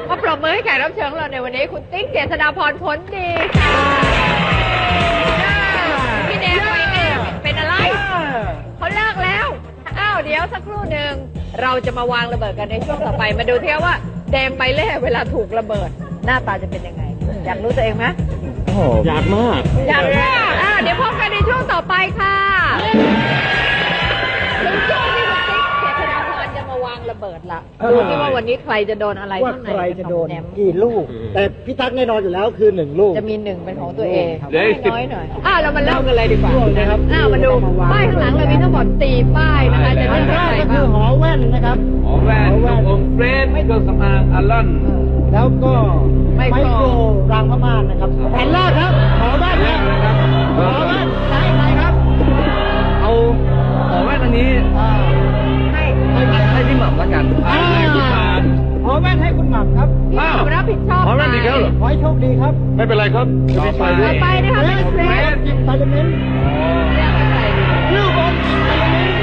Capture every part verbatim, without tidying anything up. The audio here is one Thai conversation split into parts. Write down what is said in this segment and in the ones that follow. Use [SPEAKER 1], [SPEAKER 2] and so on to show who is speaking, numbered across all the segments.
[SPEAKER 1] มาปรบมือให้แขกรับเชิญของเราในวันนี้คุณติ๊กเจษฎาพรผลดีค่ะพี่แดงไปเองเป็นอะไรเขาเลิกแล้วอ้าวเดี๋ยวสักครู่หนึ่งเราจะมาวางระเบิดกันในช่วงต่อไปมาดูเที่ยวว่าแดงไปเล่เวลาถูกระเบิดหน้าตาจะเป็นยังไงอยากรู้ตัวเองไหม
[SPEAKER 2] อยากมาก
[SPEAKER 1] อยากมากอ่าเดี๋ยวพบกันในช่วงต่อไปค่ะถึงช่วงที่คุณติ๊กเจษฎาพรจะมาวางระเบิดละดูที่ว่าวันนี้ใครจะโดนอะไร
[SPEAKER 3] ว่าใครจะโดนกี่ลูกแต่พี่ตั๊กแน่นอนอยู่แล้วคือหนึ่งลูก
[SPEAKER 1] จะมีหนึ่งเป็นของตัวเองน้อยหน่อยอ่าเรามาเริ่มกันเลยดีกว่านะครับอ่ามาดูป้ายข้างหลังเรามีทั้งหมดสี่ป้ายนะคะจะเลือกอะไรบ้างก็
[SPEAKER 3] คือหอแว่นนะครับ
[SPEAKER 2] หอแว่นองค์เฟรนเครื่องสำอางอลลอน
[SPEAKER 3] แล้วก็ไมโครรางพม่านนะครับแผ่นแรกครับหอแว่นนะครับหอแว่นใช้อะไรครับ
[SPEAKER 2] เอาหอแว่นอันนี้
[SPEAKER 1] ให้
[SPEAKER 2] ให้พี่หม่ำละกันให้คุณหม่
[SPEAKER 3] ำหอแว่นให้คุณหม่ำครับ
[SPEAKER 1] พี่หม่ำรับผิดชอบ
[SPEAKER 2] หอแว่นดีแล้วเหรอ
[SPEAKER 3] ขอให้โชคดีครับ
[SPEAKER 2] ไม่เป็นไรครับ
[SPEAKER 1] ต่อไปต่อไปนะคะเป็นเฟรน
[SPEAKER 3] กินพาราเมนต์เรื่องของกินพาราเมนต์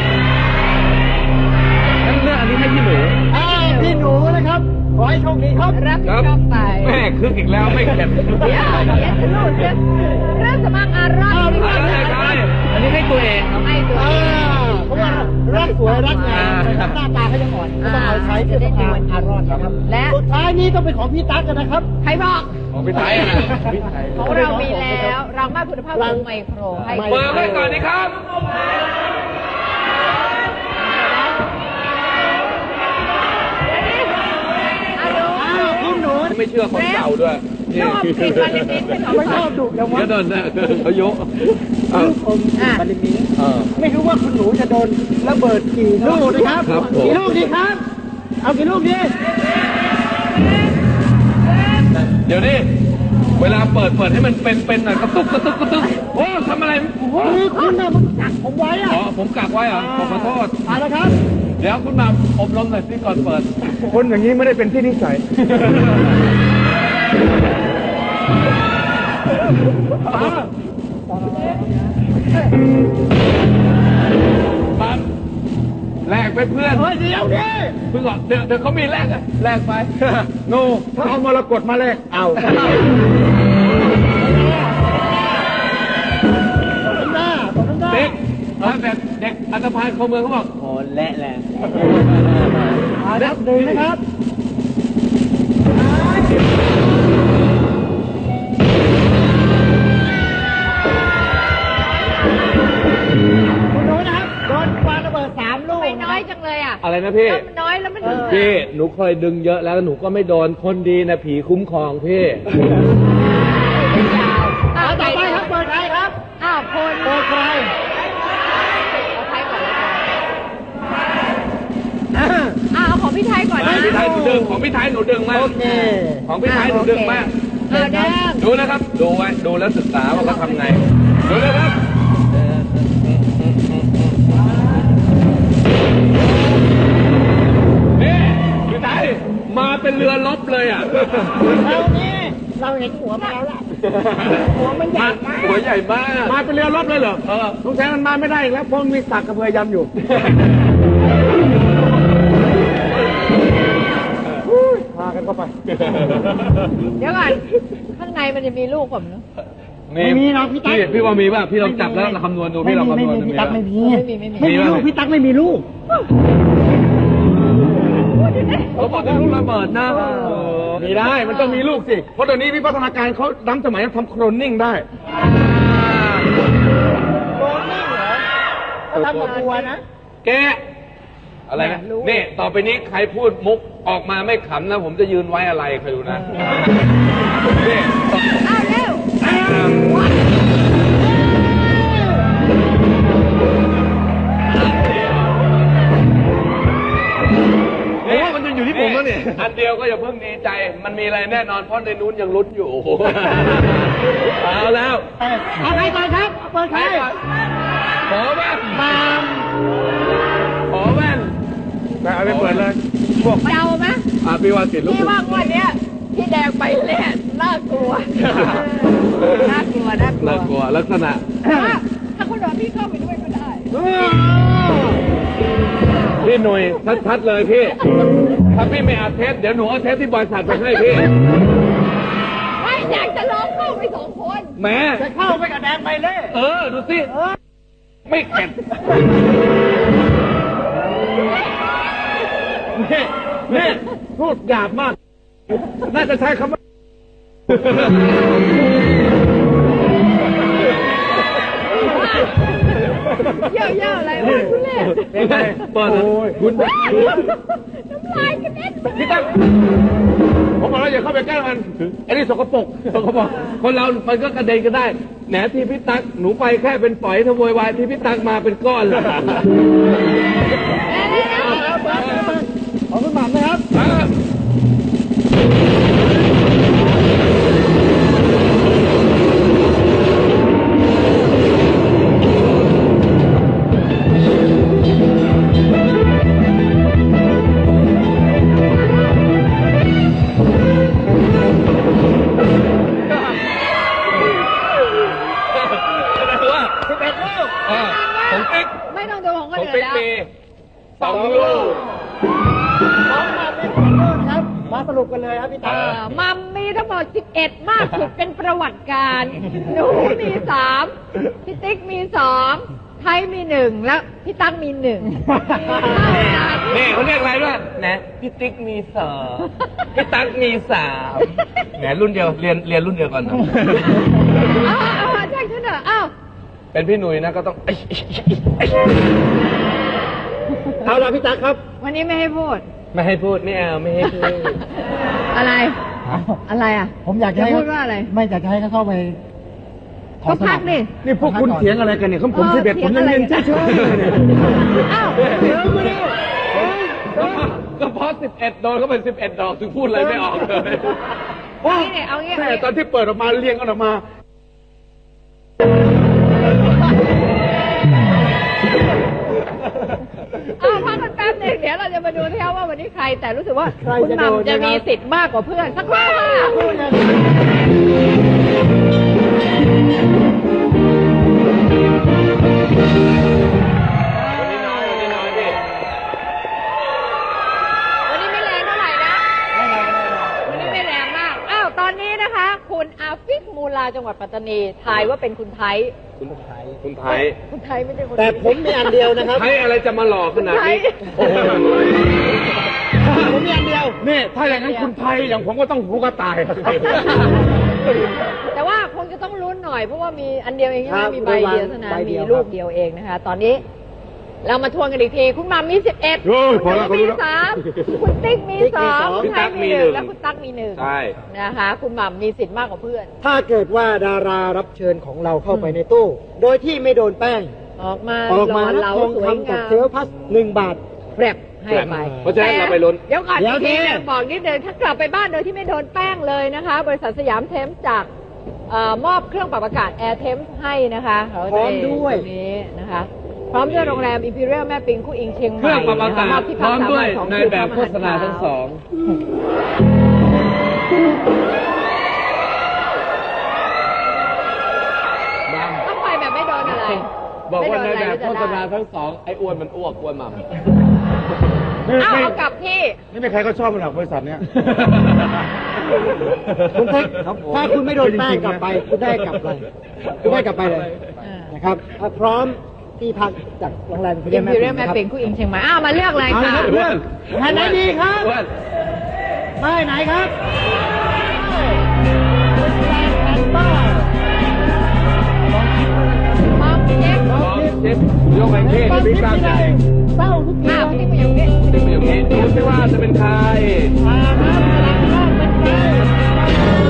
[SPEAKER 2] งั้นเรื่องอันนี้ให้พี่หนู
[SPEAKER 3] อ่าพี่หนูนะครับขอให้โชคดีครับ
[SPEAKER 1] รับผิดชอบไป
[SPEAKER 2] แม่คึกอีกแล้วไม่เข็ด
[SPEAKER 1] เดี๋ยวเดี๋ยวจะรู้เรื่องเรื่องสมัครอารมณ์
[SPEAKER 2] อันนี้ให้ตัวเองครับ
[SPEAKER 1] ให้ตัวเอง
[SPEAKER 3] เพราะว่ารักสวยรักงามหน้าตาเขายังอ่อนก็ต้องเอาใช้เพื่อต้องการอารมณ์ครับและสุดท้ายนี้ต้องเป็นของพี่ตั๊กกันนะครับ
[SPEAKER 1] ใครบอก
[SPEAKER 2] ของพี่ไทยนะ
[SPEAKER 1] ของเรามีแล้วเราไม่คุณภาพของไมโครให้
[SPEAKER 2] เปิดไว้ก่อนดีครับไม่เชื่อคนเก่าด้วย
[SPEAKER 1] ชอบกลิ่นวานิลมิ้นเป็นของ
[SPEAKER 3] ไม่ชอบดุจังวะ
[SPEAKER 2] ก็โดนเขายก
[SPEAKER 3] ลูกอมวานิลมิ้นไม่รู้ว่าคุณหนูจะโดนระเบิดกี่ลูกนะครับกี่ลูกดีครับเอากี่ลูกดี
[SPEAKER 2] เดี๋ยวนี้เวลาเปิดเปิดให้มันเป็นเป็นหน่อยกระตุกกระตุกกระตุกโอ้ทำอะไร
[SPEAKER 3] คือคุณน่ะมันกักผมไว้อะ
[SPEAKER 2] อ๋อผมกักไว้เหรอขอโทษ
[SPEAKER 3] มาแล้วครับ
[SPEAKER 2] เดี๋ยวคุณมาอบรมหน่อยสิก่อนเปิดคนอย่างนี้ไม่ได้เป็นที่นิสัยปั๊บแลกไปเพื่อน
[SPEAKER 3] เฮ้ยเดี๋ยวดิ
[SPEAKER 2] เพื่อนก่อนเดี๋ยวเดี๋ยวเขามีแลกอะแลกไปโน่ถ้าเอามรกตมาแลกเอาเด็กแบบเด็กอันธพาลเข้าเมืองเขาบอก
[SPEAKER 3] โอ้และแหละนับหนึ่งนะครับคุณหนูนะครับโดนปาระเบิดสามลูก
[SPEAKER 1] ไม่น้อยจังเลยอ่ะ
[SPEAKER 2] อะไรนะพี่
[SPEAKER 1] มันน้อยแล้วมัน
[SPEAKER 2] พี่หนูเคยดึงเยอะแล้วหนูก็ไม่โดนคนดีนะผีคุ้มครองพี่
[SPEAKER 3] เอาต่อไปครับเปิดใครครับ
[SPEAKER 1] อ้าวคน
[SPEAKER 3] เปิดใคร
[SPEAKER 1] อ้าวของพี่ไทยก่อนนะ
[SPEAKER 2] พี่ไทยหนูดึงของพี่ไทยหนูดึงมากของพี่ไทยหนูดึงมากดูนะครับดูไว้ดูแล้วศึกษาว่าเขาทำไงดูนะครับนี่พี่ไทยมาเป็นเรือลบเลยอ่ะ
[SPEAKER 3] เรานี่เราเห็นหัวมาแล้วล่ะหัวมันใหญ่มาก
[SPEAKER 2] หัวใหญ่มาก
[SPEAKER 3] มาเป็นเรือลบเลยเหรอ
[SPEAKER 2] เออ
[SPEAKER 3] สงสัยมันมาไม่ได้แล้วเพราะมีสักกระเบือยำอยู่พากันเข้าไป
[SPEAKER 1] เดี๋ยวก่อนข้างในมันจะมีลูกผมเนาะ
[SPEAKER 3] ไม่มีนะพี่ตั๊ก
[SPEAKER 2] พี่ว่ามีป่ะพี่ลองจับแล้วคำนวณดูพี่ลองคำนวณดู
[SPEAKER 3] พี่ตั๊กไม่มี
[SPEAKER 1] ไม่มีไม่มี
[SPEAKER 3] ไม่มีลูกพี่ตั๊กไม่มีลูก
[SPEAKER 2] เขาบอกว่าลูกระเบิดนะมีได้มันต้องมีลูกสิเพราะตอนนี้วิวัฒนาการเขาล้ำสมัยทำโคลนนิ่งได้
[SPEAKER 3] โคลนนิ่งเหรอเขาทำกับบัวนะ
[SPEAKER 2] แกอะไรนะนี่ต่อไปนี้ใครพูดมุกออกมาไม่ขำนะผมจะยืนไว้อะไรใครดูนะนี่
[SPEAKER 1] อ้าวเร็ว
[SPEAKER 2] โอ้มันจะอยู่ที่ผมแล้วเนี่ยอันเดียวก็อย่าเพิ่งดีใจมันมีอะไรแน่นอนเพราะในนู้นยังลุ้นอยู่เอาแล้ว
[SPEAKER 3] เอาใครก่อนครับเปิดใคร
[SPEAKER 2] ขอแว่น
[SPEAKER 3] มาม
[SPEAKER 2] ขอแว่นแต่เอาไปเปิดเลย
[SPEAKER 1] พวกเดาไหม
[SPEAKER 2] อ่าพี่ว่าติดลูก
[SPEAKER 1] พี่ว่าวันนี้พี่แดงไปเล่นน่ากลัวน่ากลัวน่ากลัว
[SPEAKER 2] น่ากลัวลักษณะ
[SPEAKER 1] ถ้าคุณรอพี่เข้าไปด้วยก็ได้
[SPEAKER 2] พี่หนุ่ยชัดๆเลยพี่ ถ้าพี่ไม่อัดเทปเดี๋ยวหนูเอาเทปที่บริษัทไปให้พี่
[SPEAKER 1] ไม่อยากจะลองเข้าไปสองคน
[SPEAKER 2] แหม
[SPEAKER 3] จะเข้าไปกับแดงไปเล่
[SPEAKER 2] เออ ดูสิ ไม่เข็ดนี่นี่พูดหยาบมาก น่าจะใช้คำว่า
[SPEAKER 1] เยอะๆอะไรวะคุณเล่
[SPEAKER 2] เป็นไงเปิดโอ้ยคุณ
[SPEAKER 1] น้ำลายกระเด็น
[SPEAKER 2] พี่ตั้งผมบอกแล้วอย่าเข้าไปใกล้มันไอ้นี่สกปรกสกปรกคนเรา มันก็กระเด็นก็ได้ แหนที่พี่ตั๊กหนูไปแค่เป็นฝอยทโวยวายที่พี่ตั๊กมาเป็นก้อนเลย
[SPEAKER 3] ขอบคุณหม่ำนะครับ
[SPEAKER 2] สิบเอ็ดลูกของติ๊ก
[SPEAKER 1] ไม่ต้องดูของคน
[SPEAKER 2] ของ
[SPEAKER 1] อื่น
[SPEAKER 2] ติ๊ก
[SPEAKER 1] แล้ว
[SPEAKER 2] มีสองลูก
[SPEAKER 3] สองมาเป็นคนเลิศครับ มาสรุปกันเลยครับพี่
[SPEAKER 1] เอ
[SPEAKER 3] ตา
[SPEAKER 1] อมัมมีทั้งหมดสิบเอ็ดมากสุดเป็นประวัติการหนูมีสามพี่ติ๊กมีสองไทยมีหนึ่งแล้วพี่ตั้งมีหนึ่ง
[SPEAKER 2] นี่เขาเรียกอะไรด้วยนะพี่ติ๊กมีสองพี่ตั๊กมีสามแหนรุ่นเดียวเรียนเรียนรุ่นเดียวกันนะ
[SPEAKER 1] อ้าวอ้าวแจ้งฉันเถอะอ้าว
[SPEAKER 2] เป็นพี่หนุ่ยนะก็ต้อง
[SPEAKER 3] เอาละพี่ตั๊กครับ
[SPEAKER 1] วันนี้ไม่ให้พูด
[SPEAKER 2] ไม่ให้พูดไม่เอาไม่ให้พูด
[SPEAKER 1] อะไร อะไรอ่ะ
[SPEAKER 3] ผมอยากจะให้
[SPEAKER 1] จะพูดว่าอะไร
[SPEAKER 3] ไม่อยากจะให้เขาเข้าไปขอ
[SPEAKER 1] ก็
[SPEAKER 3] ส
[SPEAKER 1] พั
[SPEAKER 3] มั
[SPEAKER 1] ก
[SPEAKER 3] คร
[SPEAKER 1] ดิ
[SPEAKER 2] นี่พวกคุณเถียงอะไรกันเนี่ยผมผมสิบเอ็ดผมยังเรียนเฉยๆเลยเนี่ย
[SPEAKER 1] อ้าว
[SPEAKER 3] เดี๋ยวมาดู
[SPEAKER 2] ก็เพราะสิบเอ็ดโดนเขาเป็นสิบเอ็ดดอกถึงพูดอะไรไม่ออกเลย
[SPEAKER 1] เอางี้เนี่ยเอางี้
[SPEAKER 2] แต่ตอนที่เปิดออกมาเรียงกันออกมา
[SPEAKER 1] เอาพักกันแป๊บหนึงเดี๋ยวเราจะมาดูที่ว่าวันนี้ใคร แต่รู้สึกว่าคุณหม่ำจะมีสิทธิ์มากกว่าเพื่อนสักครู่ค่ะวันนี้ไม่แรงเท่าไหร่นะ วันนี้ไม่แรงมาก อ้าว ตอนนี้นะคะ คุณอาฟิกมูลาจังหวัดปัตตานี ทายว่าเป็นคุณไทย
[SPEAKER 2] คุณไทยคุณไทย
[SPEAKER 1] คุณไทยไม่ใช่คน
[SPEAKER 3] แต่ผมมีอันเดียวนะครับ
[SPEAKER 2] ไทยอะไรจะมาหลอกขนาดนี้
[SPEAKER 1] ไทย
[SPEAKER 2] โอ้โห
[SPEAKER 3] ผมมีอันเดียว
[SPEAKER 2] นี่ถ้าอย่างนั้นคุณไทยอย่างผมก็ต้องหูกระต่าย
[SPEAKER 1] แต่ว่าคงจะต้องลุ้นหน่อย เพราะว่ามีอันเดียวเองใช่ไห
[SPEAKER 3] ค
[SPEAKER 1] ม
[SPEAKER 3] รับ
[SPEAKER 1] มีใบเดียวเท่านั้น
[SPEAKER 3] ใบเดี
[SPEAKER 1] มี
[SPEAKER 3] ยว
[SPEAKER 1] ลูกเดียวเองนะคะ ตอนนี้ เรามาทวนกันอีกที คุณหมัมมีสิบเอ็ด
[SPEAKER 2] โอ้ย
[SPEAKER 1] คุณ
[SPEAKER 2] พอแล้ว
[SPEAKER 1] หนูมี
[SPEAKER 2] พอแล้ว
[SPEAKER 1] สามคุณติ๊กมีสอง
[SPEAKER 2] พี่
[SPEAKER 1] ไท
[SPEAKER 2] ตั๊
[SPEAKER 1] ย
[SPEAKER 2] ก
[SPEAKER 1] มี
[SPEAKER 2] มี
[SPEAKER 1] ห
[SPEAKER 2] หนึ่
[SPEAKER 1] นึ่ง
[SPEAKER 2] ง
[SPEAKER 1] และคุณตั๊กมีหนึ่ง
[SPEAKER 2] ใช่
[SPEAKER 1] นะคะ คุณหม่ำมีสิทธิ์มากกว่าเพื่อน
[SPEAKER 3] ถ้าเกิดว่าดารารับเชิญของเราเข้าไปในตู้ โดยที่ไม่โดนแป้ง
[SPEAKER 1] ออกมา
[SPEAKER 3] ออกมา
[SPEAKER 1] หล่อ
[SPEAKER 3] แล้ว
[SPEAKER 1] เหลา
[SPEAKER 3] ทอง
[SPEAKER 1] สวย
[SPEAKER 3] คำกับ
[SPEAKER 1] งาม
[SPEAKER 3] เซลพัสหนึ่งบาท
[SPEAKER 1] แปรบให้ไป
[SPEAKER 2] เพราะฉะนั้นเราไปลุ้น
[SPEAKER 1] เดี๋ยวก่อน
[SPEAKER 3] เดี๋ยว
[SPEAKER 1] อีกที
[SPEAKER 3] สิ
[SPEAKER 1] นึงบอกนิดเดียวถ้ากลับไปบ้านโดยที่ไม่โดนแป้งเลยนะคะ บริษัทสยามเทมส์จากเอ่อมอบเครื่องปรับอากาศ Air Temps ให้นะคะเรา
[SPEAKER 3] พร้อมด้วย
[SPEAKER 1] ตรงนี้นะคะ พร้อมด้วยโรงแรม Imperial แม่ปิงคู่อิงเชียงให
[SPEAKER 2] เค
[SPEAKER 1] ม่
[SPEAKER 2] รื่องปรับอากาศ
[SPEAKER 1] นะคะบที่
[SPEAKER 2] พร้อมด้วย
[SPEAKER 1] พักสามวันสอง
[SPEAKER 2] ใน
[SPEAKER 1] คืน
[SPEAKER 2] แบบ
[SPEAKER 1] พร้อม
[SPEAKER 2] โฆษณาทั้งสอง
[SPEAKER 1] ต้องไปแบบไม่โดนอะไร
[SPEAKER 2] บอกว่าใน
[SPEAKER 1] ไม่โด
[SPEAKER 2] แบบ
[SPEAKER 1] อะไร
[SPEAKER 2] โฆษณา
[SPEAKER 1] จะได้
[SPEAKER 2] ทั้งสองไอ้อ้วนมันอ้วกอ้วนหม่ำ
[SPEAKER 1] เอาเอากลับที่
[SPEAKER 2] ไม่มีใครก็ชอบมันหรอกบริษัทเนี้ย
[SPEAKER 3] คุณเท็กถ้าคุณไม่โดนแป้งกลับไป คุณได้กลับไปคุณได้กลับไปเลยนะครับอ่ะพร้อมที่พักจากโรงแรม
[SPEAKER 1] อิมพีเรียลแม่ปิงคู่อิงเชียงใหม่อ้าวมาเลือกเลย
[SPEAKER 3] เอา
[SPEAKER 1] ค่ะ
[SPEAKER 3] ละครับเพื่อนแผ่นไหนดีครับ
[SPEAKER 2] อ้วน
[SPEAKER 3] ป้ายไหนครับแผ่นป้าย
[SPEAKER 1] มองเช็ค
[SPEAKER 2] พร้อมเจ็บยกแหวนเท่
[SPEAKER 3] ความ
[SPEAKER 2] บิ๊
[SPEAKER 3] คิ
[SPEAKER 2] ก
[SPEAKER 3] ด
[SPEAKER 2] กล้าม
[SPEAKER 3] ที่
[SPEAKER 2] ให
[SPEAKER 3] ใด
[SPEAKER 2] ญ่
[SPEAKER 3] เศร้าทุกที
[SPEAKER 1] อ้าวที่มาอยู่นี่
[SPEAKER 2] ที่เป็นอย่างนี้ดูสิว่าจะเป็นใคร
[SPEAKER 3] มาครับหลังบ้านเป็นใคร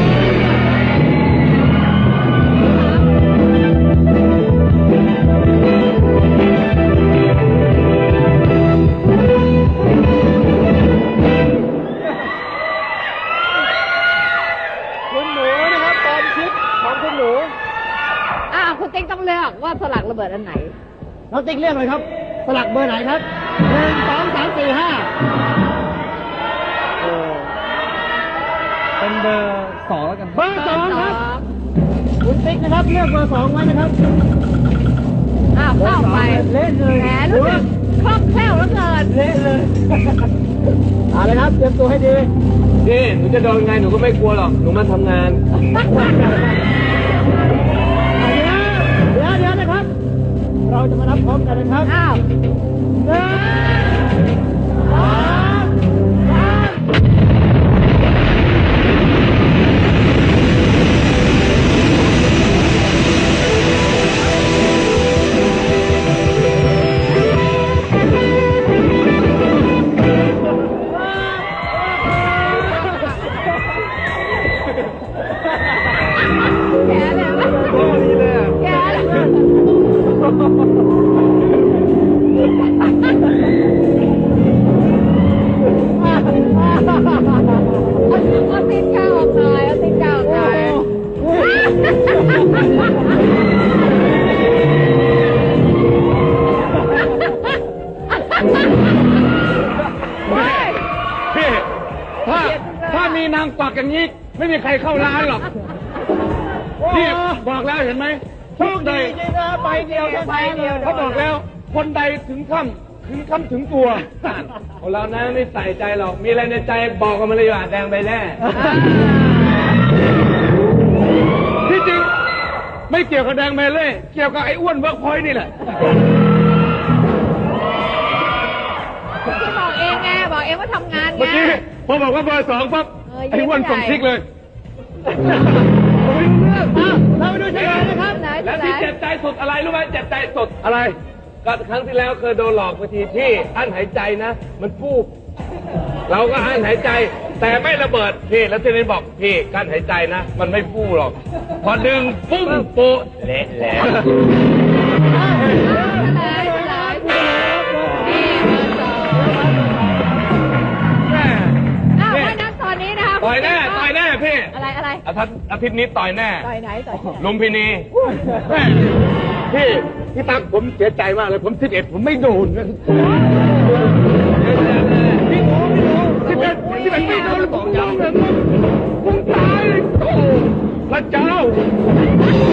[SPEAKER 3] คุณหนูนะครับตอนชิปของคุณหนู
[SPEAKER 1] อ้าวคุณติ๊กต้องเลือกว่าสลักระเบิดอันไหน
[SPEAKER 3] น้องติ๊กเรียกเลยครับ สลักเบอร์ไหนครับหนึ่งสองสามสี่ห้าเป็นเบอร์สองแล้วกันเบอร์สองครับ คุณติ๊กนะครับเลือกเบอร์สองไว้นะครับ
[SPEAKER 1] อ้าวเข้าไป
[SPEAKER 3] เล่นเลย
[SPEAKER 1] แหมรู้สึกคล่องแคล่วแล้วเกิน
[SPEAKER 3] เละเลยเอาเลยครับเตรียมตัวให้ดี
[SPEAKER 2] นี่หนูจะโดนไงหนูก็ไม่กลัวหรอกหนูมาทำงาน
[SPEAKER 3] เดี๋ยวเดี๋ยวนะครับ เราจะมานับพร้อมกันนะครับ
[SPEAKER 1] อ้าว
[SPEAKER 3] หนึ่งสองสาม
[SPEAKER 1] แกแล้วแกแล้วเอาตีนกาออกหน่อยเอาตีนกาออกหน่อยเฮ้ย
[SPEAKER 2] พี่ถ้าถ้ามีนางกวักอย่างนี้ไม่มีใครเข้าร้านหรอกพี่บอกแล้วเห็นไหม
[SPEAKER 3] โชคดีจริงนะไปเดียวแค่
[SPEAKER 1] ไปเดียว
[SPEAKER 2] เขาบอกแล้ว คนใดถึงค่ำถึงค่ำถึงตัวของเรานะไม่ใส่ใจหรอกมีอะไรในใจบอกกันมาเลยว่าแดงใบแน่ที่จริงไม่เกี่ยวกับแดงเมเล่เกี่ยวกับไอ้อ้วนเวิร์กพอยต์นี่แหละ
[SPEAKER 1] ที่บอกเองไงบอกเองว่าทำงานไง
[SPEAKER 2] เมื่อกี้พอบอกว่าเบอร์สองปั๊บ
[SPEAKER 1] เออ
[SPEAKER 2] ไอ้อ้วนส่งซิกเลย
[SPEAKER 3] เราไปดูเฉลยนะครับ
[SPEAKER 1] ไหน
[SPEAKER 2] แล้ว
[SPEAKER 1] ไหน
[SPEAKER 2] ที่เจ็บใจสุดอะไรรู้ไหมเจ็บใจสุดอะไรก็ครั้งที่แล้วเคยโดนหลอกไปทีที่อั้นหายใจนะ มันฟูบเราก็อั้นหายใจ แต่ไม่ระเบิดพี่แล้วที่นี่บอกพี่กั้นหายใจนะ มันไม่ฟูหรอก พอดึงปุ้งโปะเละแล้ว
[SPEAKER 1] ไหนไหนนี่เบอร์สอง
[SPEAKER 2] แม่
[SPEAKER 1] อ้าวเพราะฉะนั้นตอนนี้นะคะ
[SPEAKER 2] ต่อยแน่ต่อยแน่พี่
[SPEAKER 1] อะไรอะไร
[SPEAKER 2] อาทิตย์อาทิตย์นี้ต่อยแน่
[SPEAKER 1] ต่อยไหนต่อยที่ไหน
[SPEAKER 2] ลุมพินีแม่พี่พี่ตั๊กผมเสียใจมากเลย ผมสิบเอ็ดผมไม่โดนนะพี่โอ้พี่โอ้สิบเอ็ดสิบเอ็ดไม่โดนผมยอมเลยมึงตายเลยโอ้พระเจ้า